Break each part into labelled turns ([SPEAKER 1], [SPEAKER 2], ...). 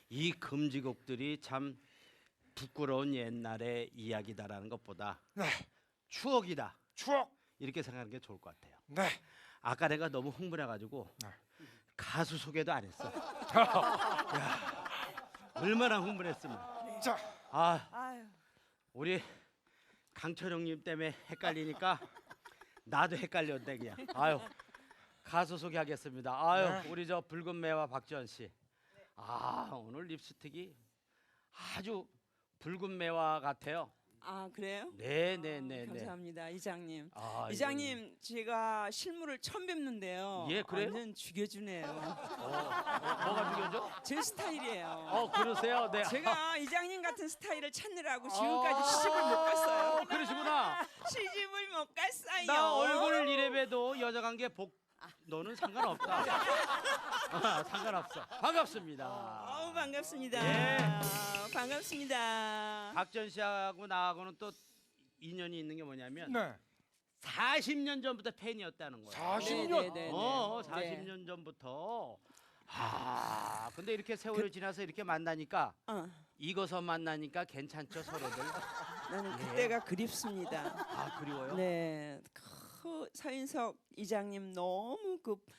[SPEAKER 1] 이 금지곡들이 참 부끄러운 옛날의 이야기다라는 것보다
[SPEAKER 2] 네.
[SPEAKER 1] 추억이다
[SPEAKER 2] 추억.
[SPEAKER 1] 이렇게 생각하는 게 좋을 것 같아요.
[SPEAKER 2] 네.
[SPEAKER 1] 아까 내가 너무 흥분해가지고
[SPEAKER 2] 네.
[SPEAKER 1] 가수 소개도 안 했어. 야, 얼마나 흥분했으면.
[SPEAKER 2] 자,
[SPEAKER 3] 아유.
[SPEAKER 1] 우리 강철영님 때문에 헷갈리니까 나도 헷갈렸네 그냥. 아유, 가수 소개하겠습니다. 아유, 우리 저 붉은 매와 박지원 씨. 오늘 립스틱이 아주 붉은 매화 같아요.
[SPEAKER 3] 아 그래요?
[SPEAKER 1] 네네네.
[SPEAKER 3] 감사합니다 이장님.
[SPEAKER 1] 아,
[SPEAKER 3] 이장님 제가 실물을 처음 뵙는데요.
[SPEAKER 1] 예, 그래요?
[SPEAKER 3] 완전 죽여주네요.
[SPEAKER 1] 뭐가 죽여져?
[SPEAKER 3] 제 스타일이에요.
[SPEAKER 1] 그러세요? 네.
[SPEAKER 3] 제가 이장님 같은 스타일을 찾느라고 지금까지 시집을 못 갔어요.
[SPEAKER 1] 그러시구나.
[SPEAKER 3] 시집을 못 갔어요.
[SPEAKER 1] 나 얼굴 이래봬도 여자 관계 너는 상관없다. 상관없어. 반갑습니다.
[SPEAKER 3] 반갑습니다.
[SPEAKER 1] 예.
[SPEAKER 3] 반갑습니다.
[SPEAKER 1] 박전 씨하고 나하고는 또 인연이 있는 게 뭐냐면
[SPEAKER 2] 네.
[SPEAKER 1] 40년 전부터 팬이었다는 거예요.
[SPEAKER 2] 40년.
[SPEAKER 3] 네.
[SPEAKER 1] 40년 전부터. 근데 이렇게 세월이 지나서 이렇게 만나니까 이거서 만나니까 괜찮죠 서로들.
[SPEAKER 3] 나는 그때가 그립습니다.
[SPEAKER 1] 그리워요?
[SPEAKER 3] 네, 서인석 이장님 너무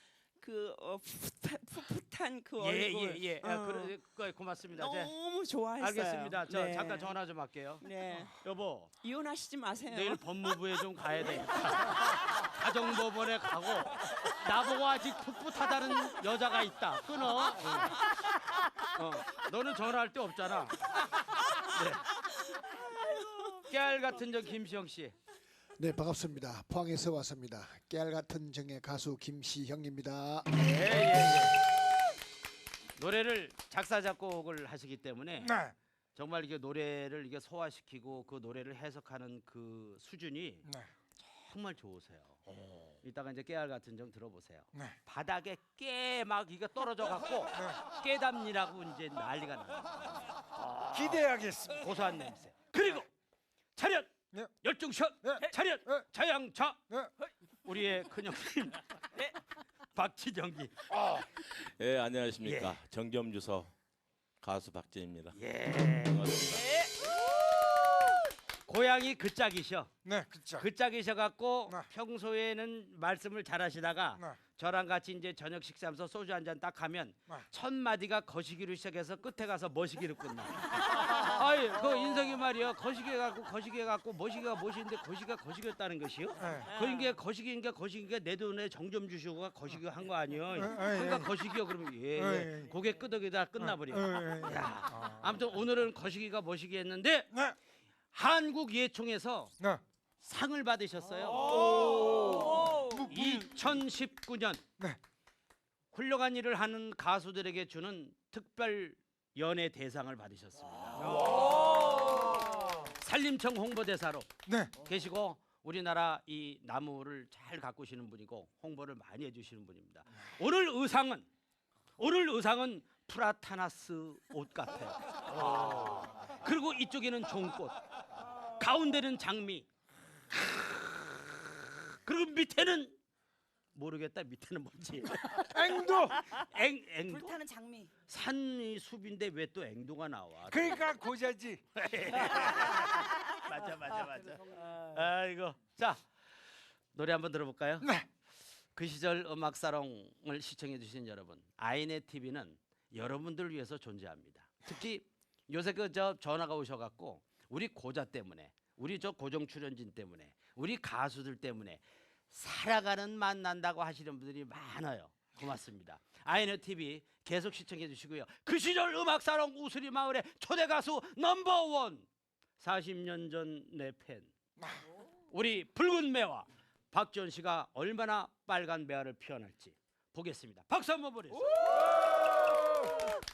[SPEAKER 3] 풋풋한 그 얼굴.
[SPEAKER 1] 예. 고맙습니다.
[SPEAKER 3] 너무 좋아했어요.
[SPEAKER 1] 알겠습니다. 저
[SPEAKER 3] 네.
[SPEAKER 1] 잠깐 전화 좀 할게요.
[SPEAKER 3] 네,
[SPEAKER 1] 여보,
[SPEAKER 3] 이혼하시지 마세요.
[SPEAKER 1] 내일 법무부에 좀 가야 돼. 가정법원에 가고 나보고 아직 풋풋하다는 여자가 있다. 끊어. 너는 전화할 데 없잖아. 네. 깨알 같은 저 김시영 씨.
[SPEAKER 4] 네, 반갑습니다. 포항에서 왔습니다. 깨알 같은 정의 가수 김시형입니다.
[SPEAKER 1] 예. 노래를 작사 작곡을 하시기 때문에
[SPEAKER 2] 네.
[SPEAKER 1] 정말 이게 노래를 이게 소화시키고 그 노래를 해석하는 그 수준이
[SPEAKER 2] 네.
[SPEAKER 1] 정말 좋으세요. 이따가 이제 깨알 같은 정 들어보세요.
[SPEAKER 2] 네.
[SPEAKER 1] 바닥에 깨 막 이게 떨어져 갖고 깨담니라고 이제 난리가 나.
[SPEAKER 2] 기대하겠습니다.
[SPEAKER 1] 고소한 냄새. 그리고 차렷
[SPEAKER 2] 네.
[SPEAKER 1] 열중샷
[SPEAKER 2] 네.
[SPEAKER 1] 차렷
[SPEAKER 2] 네.
[SPEAKER 1] 자양차
[SPEAKER 2] 네.
[SPEAKER 1] 우리의 큰형님 박지정기.
[SPEAKER 5] 예, 안녕하십니까.
[SPEAKER 1] 예.
[SPEAKER 5] 정겸주서 가수 박진입니다.
[SPEAKER 1] 예.
[SPEAKER 5] 반갑습니다.
[SPEAKER 1] 고향이 그 짝이셔.
[SPEAKER 2] 네, 그렇죠.
[SPEAKER 1] 그 짝이셔 갖고
[SPEAKER 2] 네.
[SPEAKER 1] 평소에는 말씀을 잘하시다가
[SPEAKER 2] 네.
[SPEAKER 1] 저랑 같이 이제 저녁 식사하면서 소주 한 잔 딱 하면
[SPEAKER 2] 네.
[SPEAKER 1] 첫 마디가 거시기로 시작해서 끝에 가서 머시기로 끝나. 아이 그 인석이 말이야 거시기 갖고 머시기가 머시인데 거시기가 거시기였다는 것이요.
[SPEAKER 2] 네.
[SPEAKER 1] 그러니까 거시기니까 내 돈에 정점 주시고가 거시기 한 거 아니요. 그러니까 거시기요 그러면 예. 고개 끄덕이다 끝나버려. 야, 아무튼 오늘은 거시기가 머시기 했는데
[SPEAKER 2] 네.
[SPEAKER 1] 한국 예총에서
[SPEAKER 2] 네.
[SPEAKER 1] 상을 받으셨어요. 2019년
[SPEAKER 2] 네.
[SPEAKER 1] 훌륭한 일을 하는 가수들에게 주는 특별 연예 대상을 받으셨습니다. 산림청 홍보대사로
[SPEAKER 2] 네.
[SPEAKER 1] 계시고 우리나라 이 나무를 잘 가꾸시는 분이고 홍보를 많이 해주시는 분입니다. 오늘 의상은 프라타나스 옷 같아요. 그리고 이쪽에는 종꽃, 가운데는 장미, 그리고 밑에는 모르겠다. 밑에는 뭔지.
[SPEAKER 2] 앵두.
[SPEAKER 1] 앵두.
[SPEAKER 3] 불타는 장미.
[SPEAKER 1] 산이 숲인데 왜 또 앵두가 나와?
[SPEAKER 2] 그러니까 고자지.
[SPEAKER 1] 맞아. 아이고. 자 노래 한번 들어볼까요?
[SPEAKER 2] 네.
[SPEAKER 1] 그 시절 음악사롱을 시청해주신 여러분, 아이네 TV는 여러분들을 위해서 존재합니다. 특히 요새 저 전화가 오셔갖고 우리 고자 때문에, 우리 저 고정 출연진 때문에, 우리 가수들 때문에 살아가는 만난다고 하시는 분들이 많아요. 고맙습니다. 아이네 TV 계속 시청해 주시고요. 그 시절 음악사롱 우수리 마을의 초대 가수 넘버원 40년 전 내 팬 우리 붉은 매화 박지원 씨가 얼마나 빨간 매화를 피워낼지 보겠습니다. 박수 한번 보내주세요.